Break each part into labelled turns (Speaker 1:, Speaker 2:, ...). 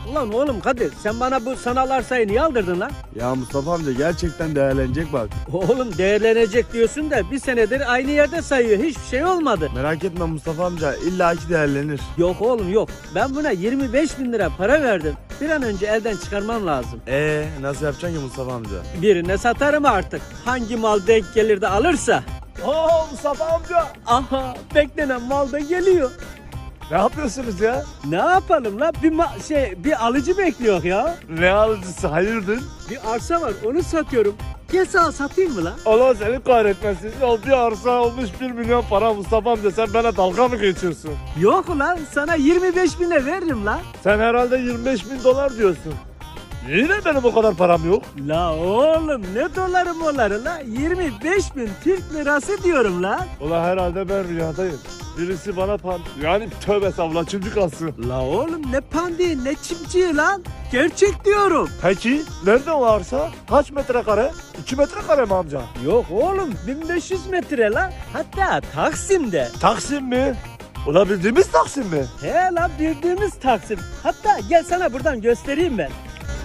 Speaker 1: Ulan oğlum Kadir, sen bana bu sanal arsayı niye aldırdın lan?
Speaker 2: Ya Mustafa amca gerçekten değerlenecek bak.
Speaker 1: Oğlum değerlenecek diyorsun da bir senedir aynı yerde sayıyor. Hiçbir şey olmadı.
Speaker 2: Merak etme Mustafa amca illaki değerlenir.
Speaker 1: Yok oğlum yok. Ben buna 25 bin lira para verdim. Bir an önce elden çıkarmam lazım.
Speaker 2: Nasıl yapacaksın ki Mustafa amca?
Speaker 1: Birine satarım artık. Hangi mal denk gelir de alırsa.
Speaker 2: Oo Mustafa amca.
Speaker 1: Aha, beklenen mal da geliyor.
Speaker 2: Ne yapıyorsunuz ya?
Speaker 1: Ne yapalım lan? Bir alıcı bekliyor ya.
Speaker 2: Ne alıcısı hayırdır?
Speaker 1: Bir arsa var, onu satıyorum. Gel sana satayım mı lan?
Speaker 2: Allah seni kahretmesin. Ya bir arsa olmuş 1 milyon para Mustafa amca, sen bana dalga mı geçiyorsun?
Speaker 1: Yok ulan, sana 25 bine veririm lan.
Speaker 2: Sen herhalde 25 bin dolar diyorsun. Yine benim o kadar param yok.
Speaker 1: La oğlum, ne doları moları la? 25 bin Türk lirası diyorum lan.
Speaker 2: Ulan herhalde ben rüyadayım. Birisi bana yani tövbe estağfurullah çocuk alsın.
Speaker 1: La oğlum, ne pandiği ne çimciği lan? Gerçek diyorum.
Speaker 2: Peki nerede o arsa? Kaç metrekare? 2 metrekare mi amca?
Speaker 1: Yok oğlum, 1500 metre lan. Hatta Taksim'de.
Speaker 2: Taksim mi? Ulan bildiğimiz Taksim mi?
Speaker 1: He lan, bildiğimiz Taksim. Hatta gel sana buradan göstereyim ben.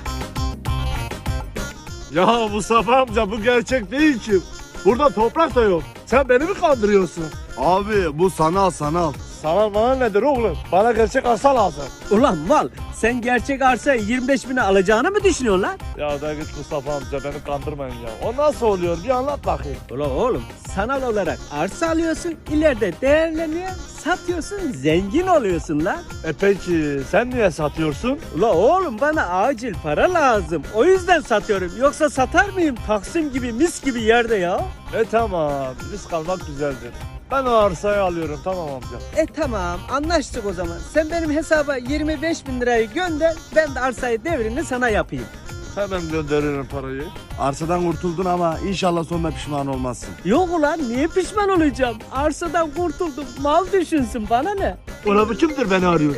Speaker 2: Ya Mustafa amca bu gerçek değil ki. Burada toprak da yok. Sen beni mi kandırıyorsun?
Speaker 3: Abi bu sanal.
Speaker 2: Sana bana nedir oğlum? Bana gerçek arsa lazım.
Speaker 1: Ulan mal, sen gerçek arsayı 25 bine alacağını mı düşünüyorsun lan?
Speaker 2: Ya da git Mustafa amca, beni kandırmayın ya. O nasıl oluyor? Bir anlat bakayım.
Speaker 1: Ulan oğlum, sanal olarak arsa alıyorsun, ileride değerleniyor, satıyorsun, zengin oluyorsun lan.
Speaker 2: Peki sen niye satıyorsun?
Speaker 1: Ulan oğlum, bana acil para lazım. O yüzden satıyorum. Yoksa satar mıyım Taksim gibi, mis gibi yerde ya?
Speaker 2: Tamam, risk almak güzeldir. Ben o arsayı alıyorum, tamam amca.
Speaker 1: Tamam, anlaştık o zaman. Sen benim hesaba 25 bin lirayı gönder, ben de arsayı devrini sana yapayım.
Speaker 2: Hemen gönderirim parayı.
Speaker 3: Arsadan kurtuldun ama inşallah sonunda pişman olmazsın.
Speaker 1: Yok ulan, niye pişman olacağım? Arsadan kurtuldum, mal düşünsün, bana ne?
Speaker 2: Ulan bu kimdir beni arıyor?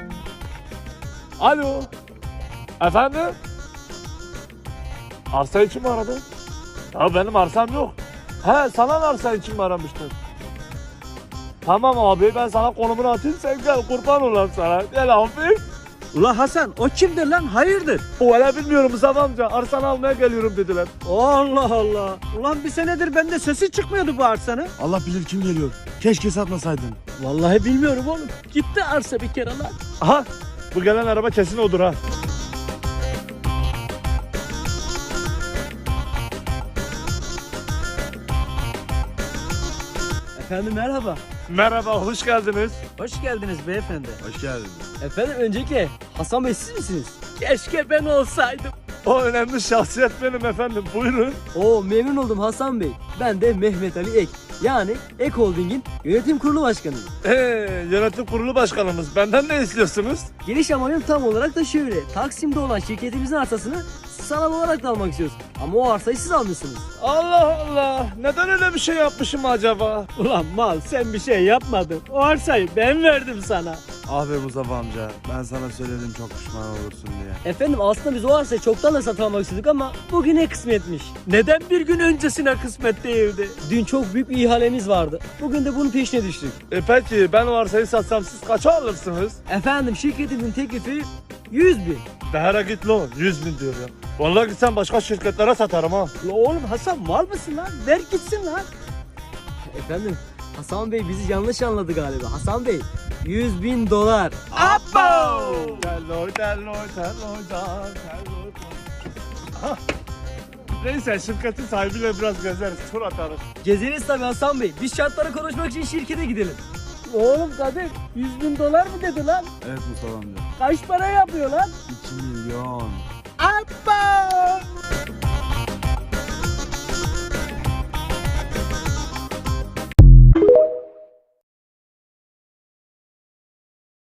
Speaker 2: Alo. Efendim? Arsa için mi aradın? Ya benim arsam yok. He, sana arsa için mi aramıştın? Tamam abi, ben sana konumunu atayım, sen gel, kurban olayım sana. Gel abi.
Speaker 1: Ulan Hasan, o kimdir lan? Hayırdır?
Speaker 2: O öyle bilmiyorum Mustafa amca. Arsanı almaya geliyorum dediler.
Speaker 1: Allah Allah. Ulan bir senedir bende sesi çıkmıyordu bu arsanın.
Speaker 3: Allah bilir kim geliyor. Keşke satmasaydın.
Speaker 1: Vallahi bilmiyorum oğlum. Gitti arsa bir kere lan.
Speaker 2: Aha, bu gelen araba kesin odur ha.
Speaker 1: Efendim merhaba.
Speaker 2: Merhaba, hoş geldiniz.
Speaker 1: Hoş geldiniz beyefendi.
Speaker 3: Hoş geldin.
Speaker 1: Efendim öncelikle Hasan Bey siz misiniz? Keşke ben olsaydım.
Speaker 2: O önemli şahsiyet benim efendim, buyurun.
Speaker 4: Oo, memnun oldum Hasan Bey. Ben de Mehmet Ali Ek. Yani Ek Holding'in yönetim kurulu başkanıyım.
Speaker 2: Yönetim kurulu başkanımız, benden ne istiyorsunuz?
Speaker 4: Geliş amacım tam olarak da şöyle. Taksim'de olan şirketimizin arsasını sanal olarak da almak istiyoruz. Ama o arsayı siz almışsınız.
Speaker 2: Allah Allah, neden öyle bir şey yapmışım acaba?
Speaker 1: Ulan mal, sen bir şey yapmadın. O arsayı ben verdim sana.
Speaker 3: Ah be Mustafa amca, ben sana söyledim çok pişman olursun diye.
Speaker 4: Efendim aslında biz o arsayı çoktan da satın almak istedik ama bugüne kısmetmiş.
Speaker 1: Neden bir gün öncesine kısmet değildi?
Speaker 4: Dün çok büyük bir ihalemiz vardı. Bugün de bunun peşine düştük.
Speaker 2: Peki ben o arsayı satsam siz kaça alırsınız?
Speaker 4: Efendim şirketimin teklifi 100 bin.
Speaker 2: Değere git lan, 100 bin diyor ya. Vallahi gitsem başka şirketlere satarım ha.
Speaker 1: La oğlum Hasan, mal mısın lan? Ver gitsin lan.
Speaker 4: Efendim Hasan Bey bizi yanlış anladı galiba. Hasan Bey 100 bin dolar.
Speaker 1: Abo!
Speaker 2: Telloy. Neyse, şirketin sahibiyle biraz gezeriz, tur atarız.
Speaker 4: Gezeriz tabii Hasan Bey. Biz şartları konuşmak için şirkete gidelim.
Speaker 1: Oğlum Kadir, 100 bin dolar mı dedi lan?
Speaker 3: Evet Mustafa amca.
Speaker 1: Kaç para yapıyor lan?
Speaker 3: 2 milyon.
Speaker 1: Abba!